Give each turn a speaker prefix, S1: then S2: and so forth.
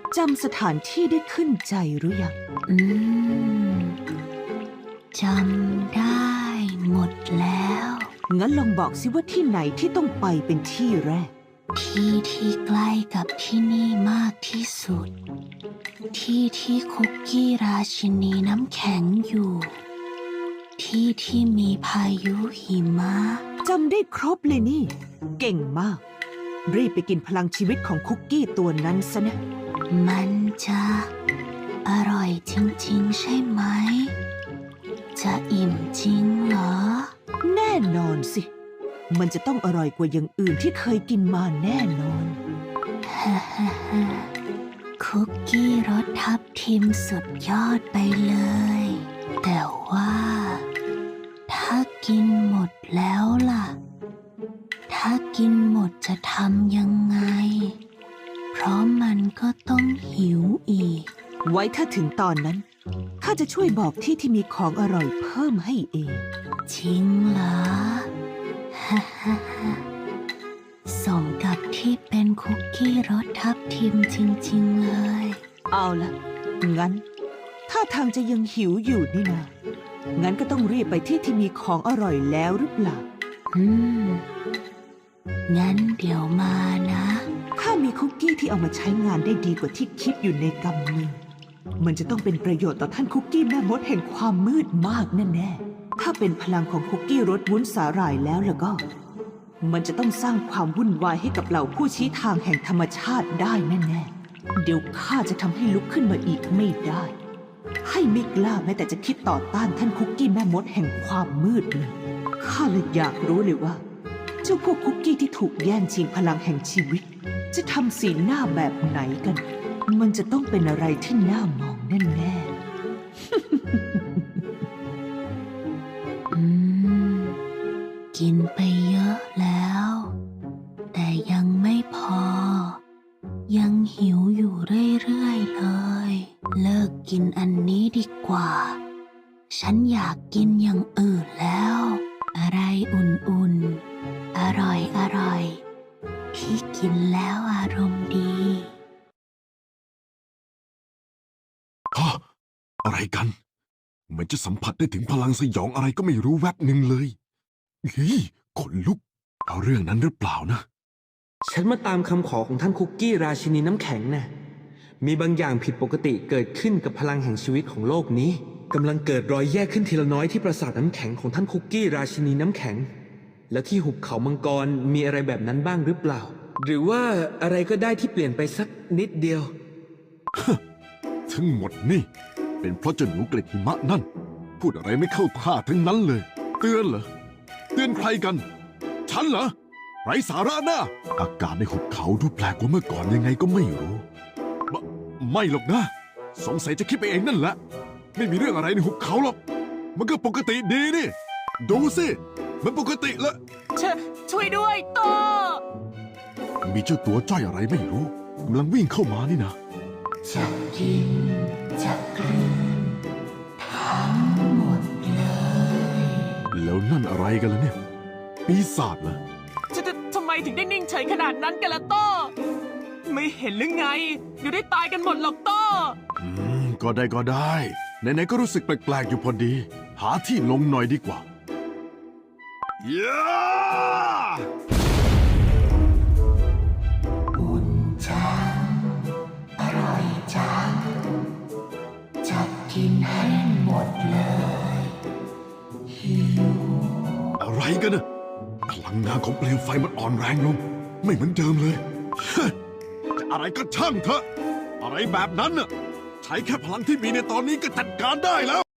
S1: จำสถานที่ได้ขึ้นใจหรือยัง
S2: จำได้หมดแล้ว
S1: งั้นลองบอกสิว่าที่ไหนที่ต้องไปเป็นที่แรก
S2: ที่ใกล้กับที่นี่มากที่สุด ที่คุกกี้ราชินีน้ำแข็งอยู่ ที่มีพายุหิมะ
S1: จำได้ครบเลยนี่ เก่งมาก รีบไปกินพลังชีวิตของคุกกี้ตัวนั้นซะนะ
S2: มันจะอร่อยจริงๆใช่ไหม จะอิ่มจริงเหรอ
S1: แน่นอนสิ มันจะต้องอร่อยกว่าอย่างอื่นที่เคยกินมาแน่นอน
S2: คุกกี้รสทับทิมสุดยอดไปเลย แต่ว่าถ้ากินหมดแล้วล่ะ ถ้ากินหมดจะทำยังไง เพราะมันก็ต้องหิวอีก
S1: ไว้ถ้าถึงตอนนั้นข้าจะช่วยบอกที่มีของอร่อยเพิ่มให้เอง
S2: จริงเหรอ สมกับที่เป็นคุกกี้รสทับทิมจริงๆเลย
S1: เอาล่ะ งั้นถ้าทางจะยังหิวอยู่นี่นางั้นก็ต้องรีบไปที่มีของอร่อยแล้วหรือเปล่า
S2: งั้นเดี๋ยวมานะ
S1: ข้ามีคุกกี้ที่เอามาใช้งานได้ดีกว่าที่คิดอยู่ในกำมือ มันจะต้องเป็นประโยชน์ต่อท่านคุกกี้แม่มดแห่งความมืดมากแน่ๆถ้าเป็นพลังของคุกกี้รสวุ้นสาหร่ายแล้วก็ มันจะต้องสร้างความวุ่นวายให้กับเหล่าผู้ชี้ทางแห่งธรรมชาติได้แน่ๆเดี๋ยวข้าจะทำให้ลุกขึ้นมาอีกไม่ได้ ให้ไม่กล้าแม้แต่จะคิดต่อต้านท่านคุกกี้แม่มดแห่งความมืดเลยข้าเลยอยากรู้เลยว่าเจ้าพวกคุกกี้ที่ถูกแย่งชิงพลังแห่งชีวิตจะทำสีหน้าแบบไหนกัน มันจะต้องเป็นอะไรที่น่ามองแน่
S2: ๆกินไปเยอะแล้ว แต่ยังไม่พอ ยังหิวอยู่เรื่อยๆเลย เลิกกินอันนี้ดีกว่า ฉันอยากกินอย่างอื่นแล้ว อะไรอุ่นๆ อร่อยๆ ที่กินแล้วอารมณ์ดี
S3: อะไรกันเหมือนจะสัมผัสได้ถึงพลังสยองอะไรก็ไม่รู้แวบหนึ่งเลยขนลุกเอาเรื่องนั้นหรือเปล่านะ
S4: ฉันมาตามคำขอของท่านคุกกี้ราชินีน้ำแข็งน่ะมีบางอย่างผิดปกติเกิดขึ้นกับพลังแห่งชีวิตของโลกนี้กำลังเกิดรอยแยกขึ้นทีละน้อยที่ปราสาทน้ำแข็งของท่านคุกกี้ราชินีน้ำแข็งแล้วที่หุบเขามังกรมีอะไรแบบนั้นบ้างหรือเปล่าหรือว่าอะไรก็ได้ที่เปลี่ยนไปสักนิดเดียว
S3: ทั้งหมดนี่เป็นเพราะเจ้าหนูเกล็ดหิมะนั่นพูดอะไรไม่เข้าท่าทั้งนั้นเลยเตือนเหรอเตือนใครกันฉันเหรอไร้สาระนะอากาศในหุบเขาดูแปลกกว่าเมื่อก่อนยังไงก็ไม่รู้ไม่หรอกนะสงสัยจะคิดไปเองนั่นแหละไม่มีเรื่องอะไรในหุบเขาหรอกมันก็ปกติดีนี่ดูสิมันปกติละ
S1: ช่วยด้วยโต
S3: มีเจ้าตัวจ้อยอะไรไม่รู้กำลังวิ่งเข้ามานี่นะ
S2: จะกินจะกลืนทั้งหมดเลย
S3: แล้วนั่นอะไรกันล่ะเนี่ยปีศาจเหรอ
S1: ทำไมถึงได้นิ่งเฉยขนาดนั้นกันล่ะโตไม่เห็นหรือไงเดี๋ยวได้ตายกันหมดหรอกโต
S3: ก็ได้ไหนๆก็รู้สึกแปลกๆอยู่พอดีหาที่ลงหน่อยดีกว่า
S2: อุ่นจังอร่อยจังจะกินให้หมดเลยหิว
S3: อะไรกันน่ะพลังงานของเปลวไฟมันอ่อนแรงลงไม่เหมือนเดิมเลยจะอะไรก็ช่างเถอะอะไรแบบนั้นน่ะใช้แค่พลังที่มีในตอนนี้ก็จัดการได้แล้ว